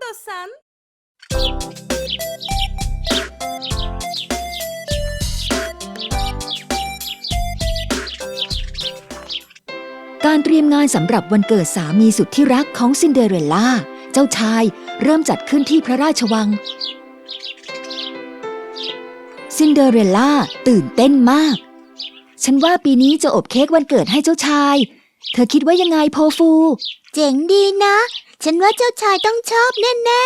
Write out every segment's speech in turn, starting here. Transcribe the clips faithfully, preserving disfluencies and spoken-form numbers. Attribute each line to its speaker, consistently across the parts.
Speaker 1: istiyorsan.
Speaker 2: การเตรียมงานสำหรับวันเกิดสามีสุดที่รักของซินเดอเรลล่าเจ้าชายเริ่มจัดขึ้นที่พระราชวังซินเดอเรลล่าตื่นเต้นมากฉันว่าปีนี้จะอบเค้กวันเกิดให้เจ้าชายเธอคิดว่ายังไงโพฟู
Speaker 3: เจ๋งดีนะฉันว่าเจ้าชายต้องชอบแน่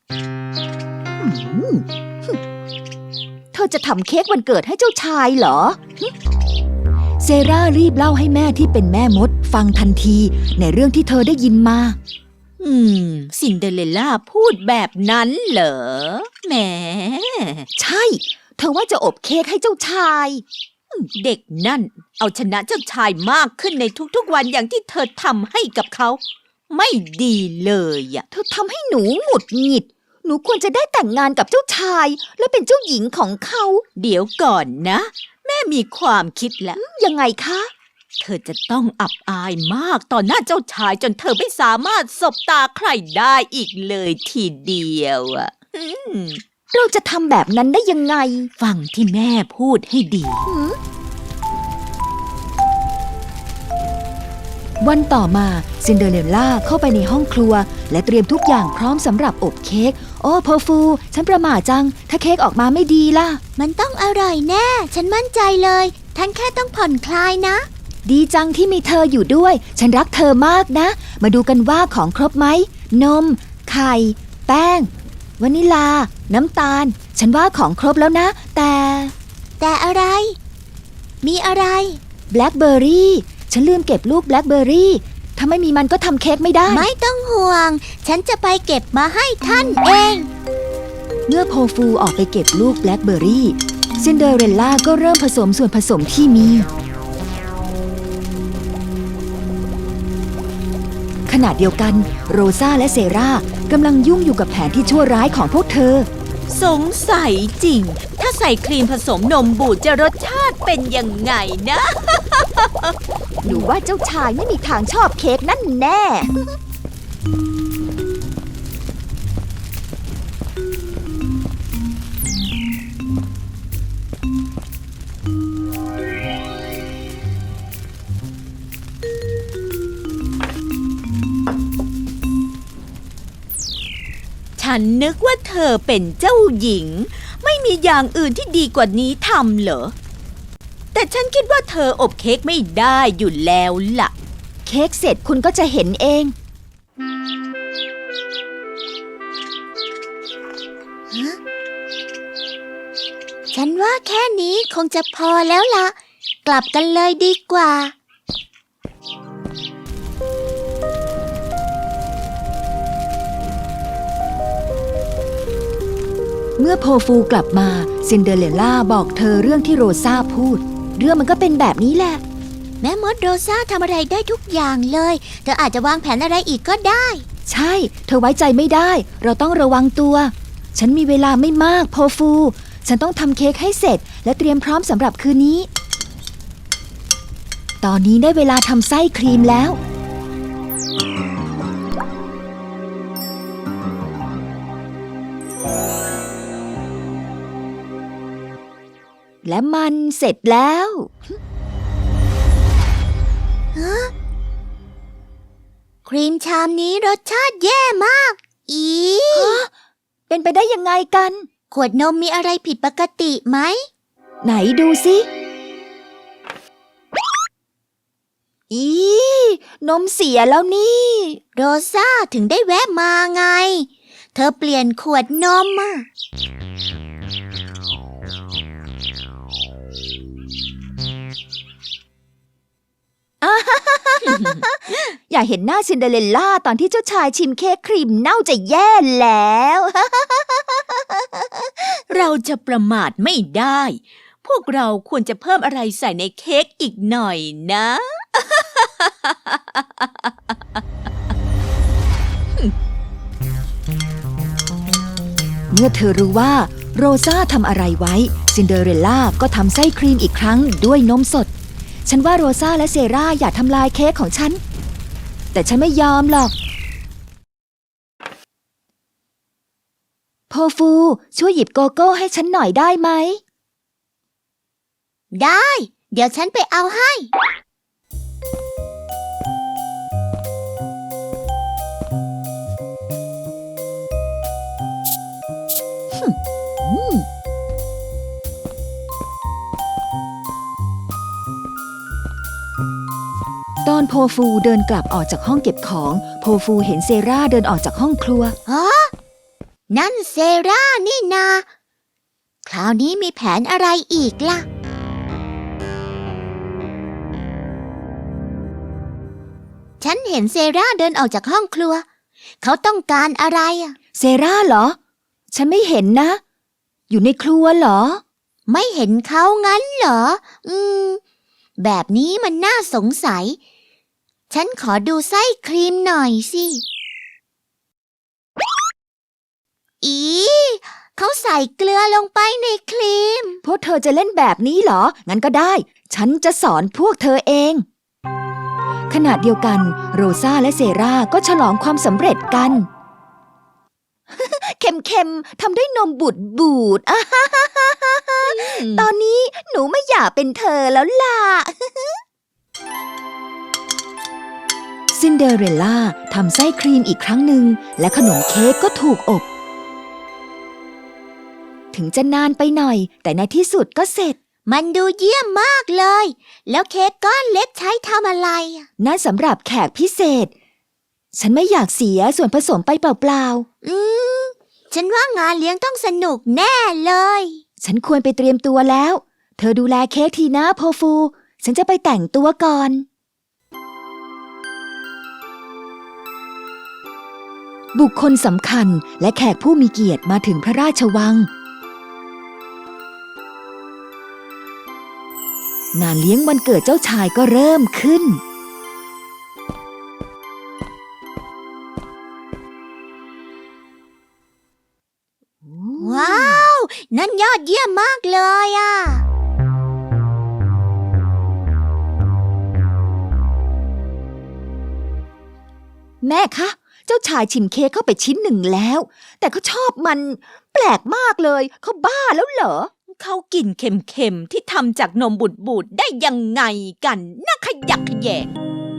Speaker 2: ๆเธอจะทำเค้กวันเกิดให้เจ้าชายเหรอเซรารีบเล่าให้แม่ที่เป็นแม่มดฟังทันทีในเรื่องที่เธอได้ยินมา
Speaker 1: อืมซินเดอเรลล่าพูดแบบนั้นเหรอแหม
Speaker 2: ใช่เธอว่าจะอบเค้กให้เจ้าชาย
Speaker 1: เด็กนั่นเอาชนะเจ้าชายมากขึ้นในทุกๆวันอย่างที่เธอทำให้กับเขาไม่ดีเลยอ่ะ
Speaker 2: เธอทำให้หนูหงุดหงิดหนูควรจะได้แต่งงานกับเจ้าชายและเป็นเจ้าหญิงของเขา
Speaker 1: เดี๋ยวก่อนนะแม่มีความคิดแล้ว
Speaker 2: ยังไงคะ
Speaker 1: เธอจะต้องอับอายมากต่อหน้าเจ้าชายจนเธอไม่สามารถสบตาใครได้อีกเลยทีเดียวอ่ะ
Speaker 2: เราจะทำแบบนั้นได้ยังไง
Speaker 1: ฟังที่แม่พูดให้ดี
Speaker 2: วันต่อมาซินเดอเรลล่าเข้าไปในห้องครัวและเตรียมทุกอย่างพร้อมสำหรับอบเค้กโอ้เพอร์ฟูฉันประหม่าจังถ้าเค้กออกมาไม่ดีล่ะ
Speaker 3: มันต้องอร่อยแน่ฉันมั่นใจเลยท่านแค่ต้องผ่อนคลายนะ
Speaker 2: ดีจังที่มีเธออยู่ด้วยฉันรักเธอมากนะมาดูกันว่าของครบไหมนมไข่แป้งวานิลาน้ำตาลฉันว่าของครบแล้วนะแต่
Speaker 3: แต่อะไรมีอะไร
Speaker 2: แบล็คเบอร์รี่ฉันลืมเก็บลูกแบล็คเบอร์รี่ถ้าไม่มีมันก็ทำเค้กไม่ได้
Speaker 3: ไม่ต้องห่วงฉันจะไปเก็บมาให้ท่านเอง
Speaker 2: เมื่อโพฟูออกไปเก็บลูกแบล็คเบอร์รี่ซินเดอเรลล่าก็เริ่มผสมส่วนผสมที่มีขณะเดียวกันโรซาและเซรากำลังยุ่งอยู่กับแผนที่ชั่วร้ายของพวกเธอ
Speaker 1: สงสัยจริงถ้าใส่ครีมผสมนมบูดจะรสชาติเป็นยังไงนะ
Speaker 2: หนูว่าเจ้าชายไม่มีทางชอบเค้กนั่นแน่
Speaker 1: ฉันนึกว่าเธอเป็นเจ้าหญิงไม่มีอย่างอื่นที่ดีกว่านี้ทำเหรอแต่ฉันคิดว่าเธออบเค้กไม่ได้อยู่แล้วล่ะ
Speaker 2: เค้กเสร็จคุณก็จะเห็นเอง
Speaker 3: ฉันว่าแค่นี้คงจะพอแล้วล่ะกลับกันเลยดีกว่า
Speaker 2: เมื่อโพฟูกลับมาซินเดอเรลล่าบอกเธอเรื่องที่โรซาพูดเรื่องมันก็เป็นแบบนี้แหละ
Speaker 3: แม่มดโรซาทำอะไรได้ทุกอย่างเลยเธออาจจะวางแผนอะไรอีกก็ได้
Speaker 2: ใช่เธอไว้ใจไม่ได้เราต้องระวังตัวฉันมีเวลาไม่มากโพฟูฉันต้องทำเค้กให้เสร็จและเตรียมพร้อมสำหรับคืนนี้ตอนนี้ได้เวลาทำไส้ครีมแล้วและมันเสร็จแล้ว
Speaker 3: ครีมชามนี้รสชาติแย่มากอี
Speaker 2: เป็นไปได้ยังไงกัน
Speaker 3: ขวดนมมีอะไรผิดปกติไหม
Speaker 2: ไหนดูสิอีนมเสียแล้วนี่
Speaker 3: โรซาถึงได้แวะมาไงเธอเปลี่ยนขวดนมอ่ะ
Speaker 2: อย่าเห็นหน้าซินเดอเรลล่าตอนที่เจ้าชายชิมเค้กครีมเน่าจะแย่แล้ว
Speaker 1: เราจะประมาทไม่ได้พวกเราควรจะเพิ่มอะไรใส่ในเค้กอีกหน่อยนะ
Speaker 2: เมื่อเธอรู้ว่าโรซาทำอะไรไว้ซินเดอเรลล่าก็ทำไส้ครีมอีกครั้งด้วยนมสดฉันว่าโรซาและเซราอย่าทำลายเค้กของฉันแต่ฉันไม่ยอมหรอกฟูช่วยหยิบโกโก้ให้ฉันหน่อยได้ไหม
Speaker 3: ได้ เดี๋ยวฉันไปเอาให้
Speaker 2: ตอนโพฟูเดินกลับออกจากห้องเก็บของโพฟูเห็นเซราเดินออกจากห้องครัว
Speaker 3: ฮะ นั่นเซรานี่นา คราวนี้มีแผนอะไรอีกล่ะ ฉันเห็นเซราเดินออกจากห้องครัว เขาต้องการอะไรอ่ะ
Speaker 2: เซราเหรอ ฉันไม่เห็นนะ อยู่ในครัวเหรอ
Speaker 3: ไม่เห็นเขางั้นเหรอ อืม แบบนี้มันน่าสงสัย ฉันขอดูไส้ครีมหน่อยสิ อีเขาใส่เกลือลงไปในครีม
Speaker 2: พวกเธอจะเล่นแบบนี้เหรอ งั้นก็ได้ ฉันจะสอนพวกเธอเอง ขณะเดียวกันโรซาและเซราก็ฉลองความสำเร็จกัน เค็มๆทำด้วยนมบูดบูดอ่ะตอนนี้หนูไม่อยากเป็นเธอแล้วล่ะ ซินเดอเรลล่าทำไส้ครีมอีกครั้งหนึ่งและขนมเค้กก็ถูกอบ ถึงจะนานไปหน่อย แต่ในที่สุดก็เสร็จ
Speaker 3: มันดูเยี่ยมมากเลย แล้วเค้กก้อนเล็กใช้ทำอะไรอ่ะ
Speaker 2: นั่นสำหรับแขกพิเศษ ฉันไม่อยากเสียส่วนผสมไปเปล่า
Speaker 3: อืม ฉันว่างานเลี้ยงต้องสนุกแน่เลย
Speaker 2: ๆ ฉันควรไปเตรียมตัวแล้ว เธอดูแลเค้กทีนะโพฟู ฉันจะไปแต่งตัวก่อน บุคคลสำคัญและแขกผู้มีเกียรติมาถึงพระราชวัง งานเลี้ยงวันเกิดเจ้าชายก็เริ่มขึ้น
Speaker 3: ว้าว นั่นยอดเยี่ยมมากเลยอ่ะ
Speaker 2: แม่คะ เจ้าชายชิมเค้กเข้าไปชิ้นหนึ่งแล้ว แต่เขาชอบมันแปลกมากเลย เขาบ้าแล้วเหรอ
Speaker 1: เขากินเค็มๆที่ทำจากนมบูดๆได้ยังไงกันน่าขยักขยแยง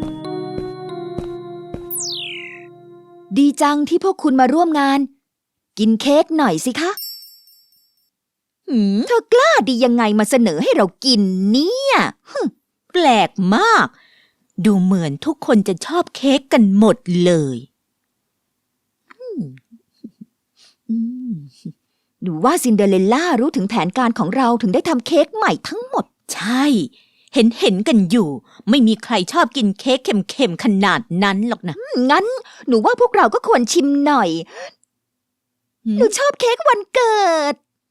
Speaker 2: ดีจังที่พวกคุณมาร่วมงาน กินเค้กหน่อยสิคะ
Speaker 1: หืม
Speaker 2: เธอกล้าดียังไงมาเสนอให้เรากินเนี่ย
Speaker 1: แปลกมาก ดูเหมือนทุกคนจะชอบเค้กกันหมดเลยอืมอืม
Speaker 2: ดูว่าซินเดอเรลล่ารู้ถึงแผนการของเราถึงได้ทำเค้กใหม่ทั้งหมด
Speaker 1: ใช่ เห็นเห็นกันอยู่ ไม่มีใครชอบกินเค้กเค็มๆขนาดนั้นหรอกนะ
Speaker 2: งั้น หนูว่าพวกเราก็ควรชิมหน่อย
Speaker 1: หืม
Speaker 2: หนูชอบเค้กวันเกิด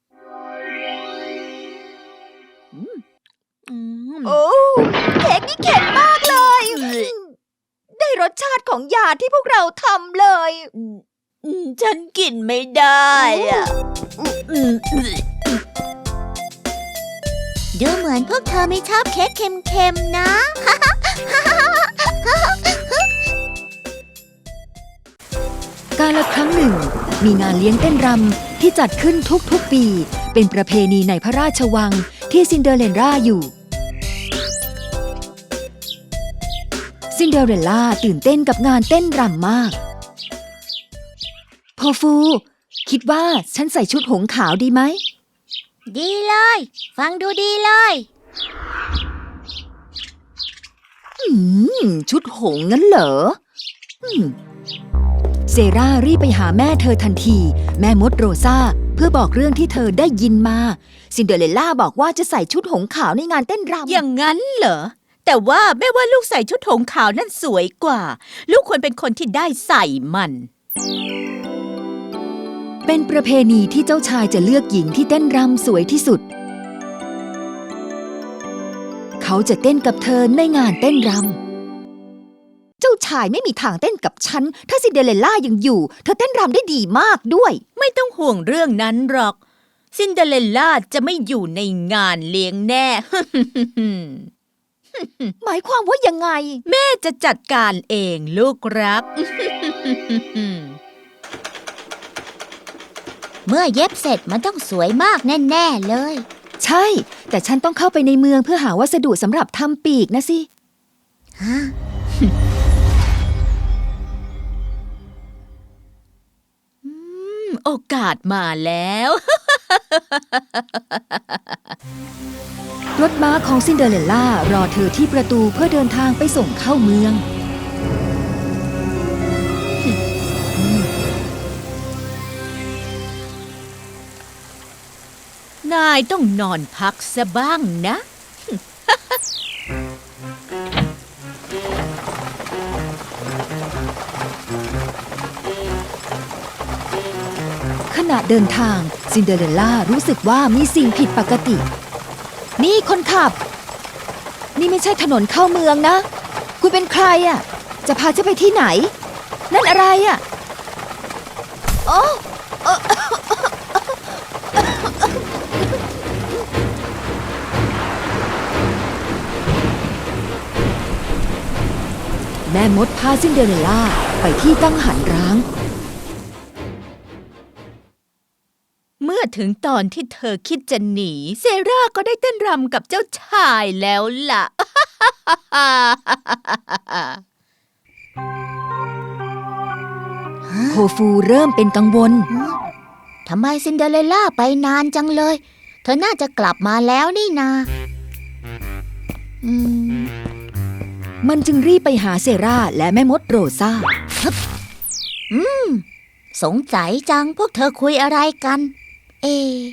Speaker 1: อืม
Speaker 2: โอ้ เค้กนี่เค็มมากเลย ได้รสชาติของยาที่พวกเราทำเลย
Speaker 1: อืมฉันกินไม่ได้อะอืม
Speaker 3: ดูเหมือนพวกเธอไม่ชอบเค้กเค็มๆนะ
Speaker 2: กาลครั้งหนึ่ง มีงานเลี้ยงเต้นรำที่จัดขึ้นทุกๆปี เป็นประเพณีในพระราชวังที่ซินเดอเรลล่าอยู่ ซินเดอเรลล่าตื่นเต้นกับงานเต้นรำมากโพฟู คิดว่าฉันใส่ชุดหงส์ขาวดีไหม
Speaker 3: ดีเลย ฟังดูดีเลย
Speaker 2: อืม ชุดหงส์งั้นเหรออืมเซรารีบไปหาแม่เธอทันที แม่มดโรซาเพื่อบอกเรื่องที่เธอได้ยินมา ซินเดอเรลล่าบอกว่าจะใส่ชุดหงส์ขาวในงานเต้นรำ
Speaker 1: อย่างนั้นเหรอ แต่ว่าแม่ว่าลูกใส่ชุดหงส์ขาวนั่นสวยกว่า ลูกควรเป็นคนที่ได้ใส่มัน
Speaker 2: เป็นประเพณีที่เจ้าชายจะเลือกหญิงที่เต้นรำสวยที่สุด เขาจะเต้นกับเธอในงานเต้นรำ เจ้าชายไม่มีทางเต้นกับฉัน ถ้าซินเดอเรลล่ายังอยู่ เธอเต้นรำได้ดีมากด้วย
Speaker 1: ไม่ต้องห่วงเรื่องนั้นหรอก ซินเดอเรลล่าจะไม่อยู่ในงานเลี้ยงแน่
Speaker 2: หมายความว่ายังไง
Speaker 1: แม่จะจัดการเองลูกรัก
Speaker 3: เมื่อเย็บเสร็จมันต้องสวยมากแน่ๆเลย
Speaker 2: ใช่ แต่ฉันต้องเข้าไปในเมืองเพื่อหาวัสดุสำหรับทำปีกนะสิ
Speaker 3: ฮะ
Speaker 1: โอกาสมาแล้ว
Speaker 2: รถม้าของซินเดอเรลล่ารอเธอที่ประตูเพื่อเดินทางไปส่งเข้าเมือง
Speaker 1: นายต้องนอนพักซะบ้างนะ
Speaker 2: ขณะเดินทางซินเดอเรลล่ารู้สึกว่ามีสิ่งผิดปกติ นี่คนขับ นี่ไม่ใช่ถนนเข้าเมืองนะ คุณเป็นใครอ่ะ จะพาฉันไปที่ไหน นั่นอะไรอ่ะโอ้เอ่อแม่มดพาซินเดอเรลล่าไปที่กังหันร้าง
Speaker 1: เมื่อถึงตอนที่เธอคิดจะหนี เซราก็ได้เต้นรำกับเจ้าชายแล้วล่ะ
Speaker 2: โคฟูเริ่มเป็นกังวล
Speaker 3: ทำไมซินเดอเรลล่าไปนานจังเลย เธอน่าจะกลับมาแล้วนี่นาอืม
Speaker 2: มันจึงรีบไปหาเซราและแม่มดโรซา
Speaker 3: อืม สงสัยจังพวกเธอคุยอะไรกัน เอ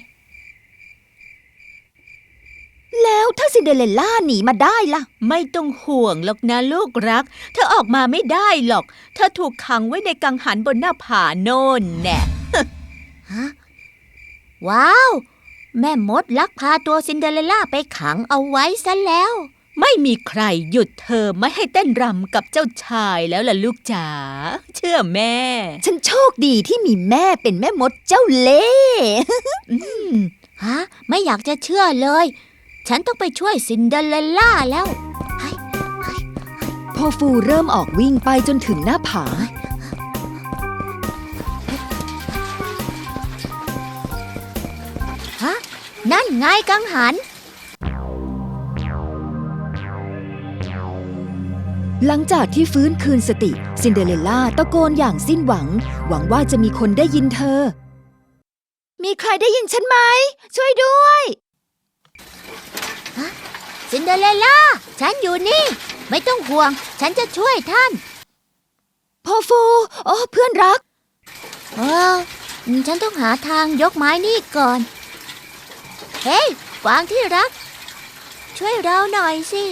Speaker 2: แล้วถ้าซินเดอเรลล่าหนีมาได้ล่ะ
Speaker 1: ไม่ต้องห่วงหรอกนะลูกรัก เธอออกมาไม่ได้หรอก เธอถูกขังไว้ในกังหันบนหน้าผาโน่นแน่
Speaker 3: ฮะ ว้าว แม่มดลักพาตัวซินเดอเรลล่าไปขังเอาไว้ซะแล้ว
Speaker 1: ไม่มีใครหยุดเธอไม่ให้เต้นรำกับเจ้าชายแล้วล่ะลูกจ๋า เชื่อแม่
Speaker 2: ฉันโชคดีที่มีแม่เป็นแม่มดเจ้าเล่ห์
Speaker 1: อืม
Speaker 3: ฮะ ไม่อยากจะเชื่อเลย ฉันต้องไปช่วยซินเดอเรลล่าแล้ว
Speaker 2: พอฟูเริ่มออกวิ่งไปจนถึงหน้าผา
Speaker 3: ฮะ นั่นไงกังหัน
Speaker 2: หลังจากที่ฟื้นคืนสติ ซินเดอเรลล่าตะโกนอย่างสิ้นหวัง หวังว่าจะมีคนได้ยินเธอ มีใครได้ยินฉันไหม ช่วยด้วย
Speaker 3: ซินเดอเรลล่า ฉันอยู่นี่ ไม่ต้องห่วง ฉันจะช่วยท่าน
Speaker 2: พอฟูโอ้เพื่อนรัก
Speaker 3: เออ ฉันต้องหาทางยกไม้นี่ก่อน เฮ้ยกวางที่รัก ช่วยเราหน่อยสิ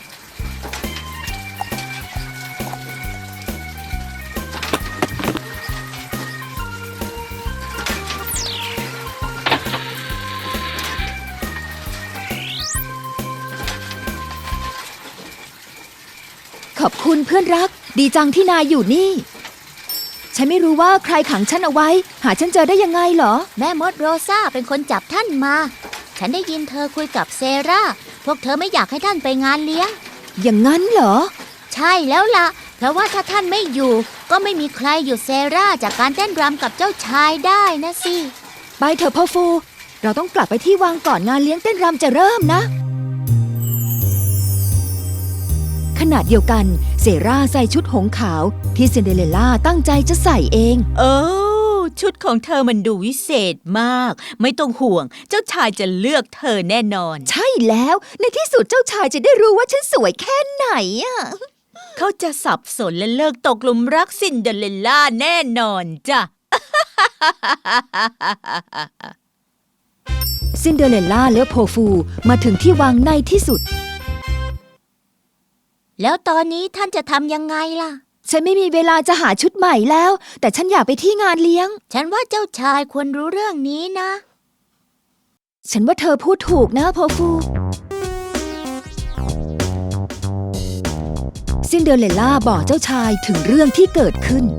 Speaker 2: ขอบคุณเพื่อนรัก ดีจังที่นายอยู่นี่ ฉันไม่รู้ว่าใครขังฉันเอาไว้ หาฉันเจอได้ยังไงเหรอ
Speaker 3: แม่มดโรซาเป็นคนจับท่านมา ฉันได้ยินเธอคุยกับเซรา พวกเธอไม่อยากให้ท่านไปงานเลี้ยง
Speaker 2: อย่างนั้นเหรอ
Speaker 3: ใช่แล้วล่ะ เพราะว่าถ้าท่านไม่อยู่ ก็ไม่มีใครหยุดเซราจากการเต้นรำกับเจ้าชายได้นะสิ
Speaker 2: ไปเถอะพ่อฟู เราต้องกลับไปที่วังก่อนงานเลี้ยงเต้นรำจะเริ่มนะ ขณะเดียวกันเซราใส่ชุดหงส์ขาวที่ซินเดอเรลล่าตั้งใจจะใส่เอง
Speaker 1: โอ้ชุดของเธอมันดูวิเศษมาก ไม่ต้องห่วง เจ้าชายจะเลือกเธอแน่นอน
Speaker 2: ใช่แล้วในที่สุดเจ้าชายจะได้รู้ว่าฉันสวยแค่ไหนอะ
Speaker 1: เขาจะสับสนและเลิกตกหลุมรักซินเดอเรลล่าแน่นอนจ้ะ
Speaker 2: ซินเดอเรลล่าและโพฟูมาถึงที่วังในที่สุด
Speaker 3: แล้วตอนนี้ท่านจะทำยังไงล่ะ
Speaker 2: ฉันไม่มีเวลาจะหาชุดใหม่แล้ว แต่ฉันอยากไปที่งานเลี้ยง
Speaker 3: ฉันว่าเจ้าชายควรรู้เรื่องนี้นะ
Speaker 2: ฉันว่าเธอพูดถูกนะโพฟูซินเดอเรลล่าบอกเจ้าชายถึงเรื่องที่เกิดขึ้น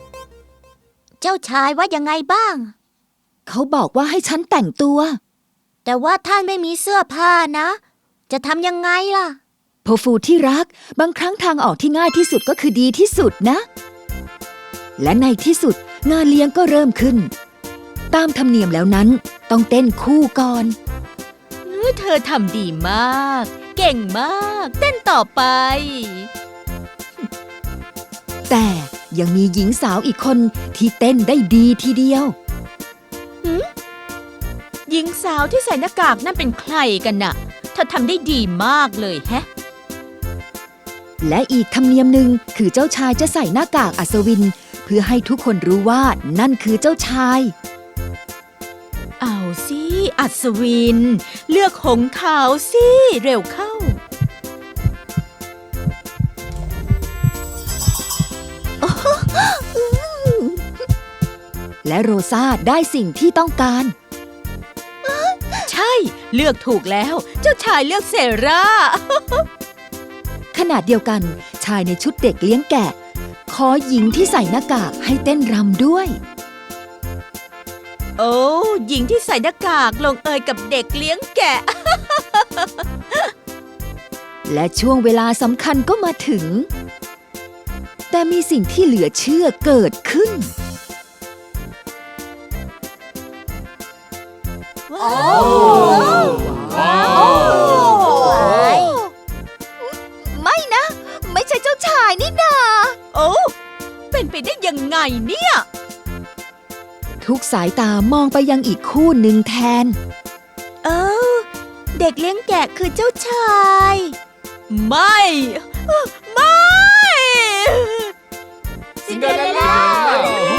Speaker 3: เจ้าชายว่ายังไงบ้าง
Speaker 2: เขาบอกว่าให้ฉันแต่งตัว
Speaker 3: แต่ว่าท่านไม่มีเสื้อผ้านะ จะทำยังไงล่ะ
Speaker 2: โพฟูที่รัก บางครั้งทางออกที่ง่ายที่สุดก็คือดีที่สุดนะ และในที่สุดงานเลี้ยงก็เริ่มขึ้น ตามธรรมเนียมแล้วนั้นต้องเต้นคู่ก่อน
Speaker 1: เออเธอทำดีมาก เก่งมาก เต้นต่อไป
Speaker 2: แต่ยังมีหญิงสาวอีกคนที่เต้นได้ดีทีเดียว
Speaker 1: หญิงสาวที่ใส่หน้ากากนั่นเป็นใครกันน่ะเธอทำได้ดีมากเลยแฮะ
Speaker 2: และอีกธรรมเนียมหนึ่งคือเจ้าชายจะใส่หน้ากากอัศวิน เพื่อให้ทุกคนรู้ว่านั่นคือเจ้าชาย
Speaker 1: เอาสิอัศวิน เลือกหงส์ขาวสิเร็วเข้า
Speaker 2: และโรซาได้สิ่งที่ต้องการ
Speaker 1: ใช่เลือกถูกแล้ว เจ้าชายเลือกเซรา
Speaker 2: ขณะเดียวกันชายในชุดเด็กเลี้ยงแกะ ขอหญิงที่ใส่หน้ากากให้เต้นรำด้วย
Speaker 1: โอ้หญิงที่ใส่หน้ากากลงเอยกับเด็กเลี้ยงแกะ
Speaker 2: และช่วงเวลาสำคัญก็มาถึง แต่มีสิ่งที่เหลือเชื่อเกิดขึ้น
Speaker 1: ว้าว
Speaker 3: ว้าว
Speaker 2: ไม่นะ ไม่ใช่เจ้าชายนี่นา
Speaker 1: โอ้เป็นไปได้ยังไงเนี่ย
Speaker 2: ทุกสายตามองไปยังอีกคู่หนึ่งแทน
Speaker 1: เออเด็กเลี้ยงแกะคือเจ้าชาย ไม่ ไม่
Speaker 3: ซินเดอเรลล่า